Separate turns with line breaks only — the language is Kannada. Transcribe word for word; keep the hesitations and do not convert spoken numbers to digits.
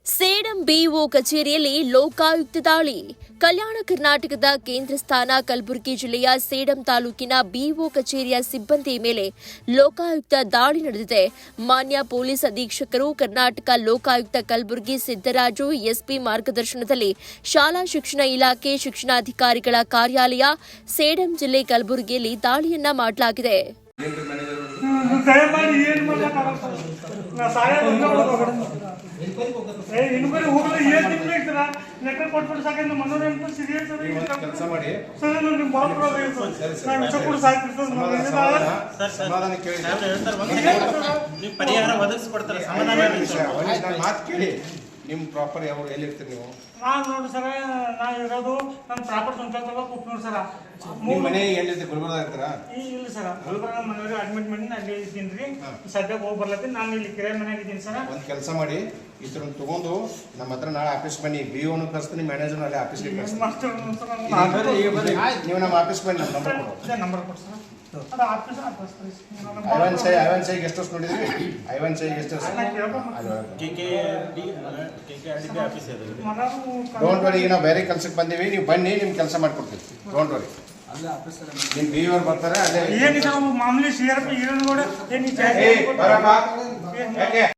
ಸೇಡಂ ಬಿಇಒ ಕಚೇರಿಯಲ್ಲಿ ಲೋಕಾಯುಕ್ತ ದಾಳಿ. ಕಲ್ಯಾಣ ಕರ್ನಾಟಕದ ಕೇಂದ್ರ ಸ್ಥಾನ ಕಲಬುರಗಿ ಜಿಲ್ಲೆಯ ಸೇಡಂ ತಾಲೂಕಿನ ಬಿಇಒ ಕಚೇರಿಯ ಸಿಬ್ಬಂದಿ ಮೇಲೆ ಲೋಕಾಯುಕ್ತ ದಾಳಿ ನಡೆದಿದೆ. ಮಾನ್ಯ ಪೊಲೀಸ್ ಅಧೀಕ್ಷಕರು ಕರ್ನಾಟಕ ಲೋಕಾಯುಕ್ತ ಕಲಬುರಗಿ ಸಿದ್ದರಾಜು ಎಸ್ಪಿ ಮಾರ್ಗದರ್ಶನದಲ್ಲಿ ಶಾಲಾ ಶಿಕ್ಷಣ ಇಲಾಖೆ ಶಿಕ್ಷಣಾಧಿಕಾರಿಗಳ ಕಾರ್ಯಾಲಯ ಸೇಡಂ ಜಿಲ್ಲೆ ಕಲಬುರಗಿಯಲ್ಲಿ ದಾಳಿಯನ್ನ ಮಾಡಲಾಗಿದೆ.
ಇನ್ಕ್ವೈರಿ ಹೋಗಲ್ಲ ಏನು ತಿಂಗಳು ಇರ್ತೀರ ಲೆಕ್ಕ ಕೊಟ್ಬಿಟ್ಟು ಸಾಕಂದ್ರೆ ಮನೋರಂಜನೆ ಸೀರಿಯಸ್ ಕೆಲಸ ಮಾಡಿ ಸರ್ ನಿಮ್ಗೆ ಭಾಳ ಪ್ರಾಬ್ಲಮ್ ನಾನು ವಿಷಯ ಕೂಡ
ಸಮಾಧಾನ ಕೇಳಿ ನೀವು ಪರಿಹಾರ ಒದಗಿಸ್ಕೊಡ್ತಾರೆ. ಸಮಾಧಾನ ಮಾತು ಕೇಳಿ. ನಿಮ್ಮ ಪ್ರಾಪರ್ ಯಾವ ಎಲ್ಲಿ ಇರ್ತೀರಿ ನೀವು?
ನಾನು ನೋಡಿ ಸರ ನಾ ಇರೋದು ನನ್ನ ಪ್ರಾಪರ್ ಸಂಚಾರ ತಗೋಬೇಕು ನೋಡಿ ಸರ.
ನಿಮ್ಮ ಮನೆ ಎಲ್ಲಿದೆ? ಗುಲ್ಬರ್ಗ ಇರ್ತೀರಾ?
ಇಲ್ಲ ಸರ, ಗುಲ್ಬರ್ಗ ಮನೆಯವ್ರಿಗೆ ಅಡ್ಮಿಟ್ ಮಾಡಿ ಅಲ್ಲಿ ಇದ್ದೀನಿ ರೀ. ಸದ್ಯಕ್ಕೆ ಹೋಗಿ ಬರ್ಲತ್ತೀನಿ. ನಾನು ಇಲ್ಲಿ ಕಿರಾಯ ಮನೆಯಾಗ ಇದ್ದೀನಿ ಸರ.
ಒಂದು ಕೆಲಸ ಮಾಡಿ, ಈ ಥರ ತಗೊಂಡು ನಮ್ಮ ಹತ್ರ ನಾಳೆ ಆಫೀಸ್ ಬನ್ನಿ. ಬಿ ಓನು ಕಳಿಸ್ತೀನಿ, ಮ್ಯಾನೇಜರ್ ಅಲ್ಲಿ ಆಫೀಸ್ಗೆ ನೀವು ನಮ್ಮ ಆಫೀಸ್ ಬನ್ನಿ. ನಮ್ಮ ನಂಬರ್ ಕೊಡು.
ನಂಬರ್ ಕೊಟ್ಟು ಸರ್. ಅದು ಆಫೀಸ್
ಐವನ್ ಸೈ ಐವನ್ ಸೈ ಗೆಸ್ಟ್ ಹೌಸ್ ನೋಡಿದ್ರಿ? ಐವನ್ ಸೈ ಗೆಸ್ಟ್ ಹೌಸ್ ಡೋಂಟ್ ವರಿ. ಈಗ ನಾವು ಬೇರೆ ಕೆಲ್ಸಕ್ಕೆ ಬಂದೀವಿ, ನೀವು ಬನ್ನಿ, ನಿಮ್ಗೆ ಕೆಲಸ ಮಾಡ್ಕೊಡ್ತೀವಿ. Don't worry. ನಿಮ್ಮ ಬಿ ಅವ್ರು ಬರ್ತಾರೆ. ಅಲ್ಲೇ
ಏನಿದೆ ಮಾಮೂಲಿ ಸಿ ಆರ್ ಪಿ ಏನು ಕೂಡ ಏನು